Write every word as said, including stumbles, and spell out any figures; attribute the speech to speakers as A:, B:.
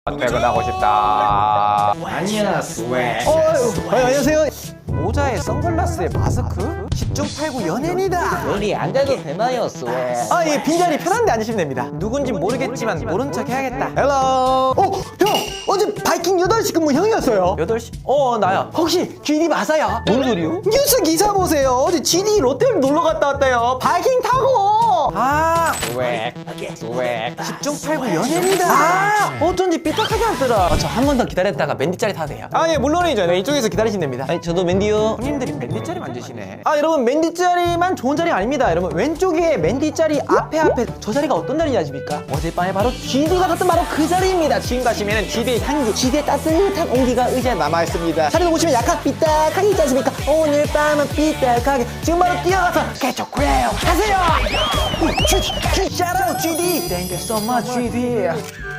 A: 퇴근하고 싶다.
B: 아니야 스웩.
C: 어, 어, 안녕하세요. 모자에 선글라스에 마스크? 십중팔구 연예인이다.
B: 우리 앉아도 되나요 스웩?
C: 아, 예, 빈자리 편한데 앉으시면 됩니다. 누군진 모르겠지만 모른 척 해야겠다. 헬로. 어, 형! 어제 바이킹 여덟 시 근무 형이었어요. 여덟 시? 어, 나야. 혹시 지디 맞아요? 뭔 소리요? 뉴스 기사 보세요. 어제 지디 롯데를 놀러 갔다 왔대요. 바이킹 타고. 아,
B: 스웩 스웩.
C: 십중팔구 연예인이다. 아, 어쩐지 삐딱하게 왔더라. 어, 저 한 번 더 기다렸다가 맨디 자리 타도 돼요. 아, 예, 물론이죠. 네, 이쪽에서 기다리시면 됩니다.
B: 아니 저도 맨디요.
C: 형님들이 맨디 자리 만드시네. 아, 여러분, 맨디 자리만 좋은 자리 아닙니다. 여러분, 왼쪽에 맨디 자리 앞에 앞에 저 자리가 어떤 자리인지 아십니까? 어젯밤에 바로 지디가 갔던 바로 그 자리입니다. 지금 가시면 지디의 향기, 지디의 따뜻한 온기가 의자에 남아있습니다. 자리도 보시면 약간 삐딱하게 있지 않습니까? 오늘 밤은 삐딱하게 지금 바로 뛰어가서 개초크래요 가세요. 지디, 지디, shout out 지디. Thank you so much 지디.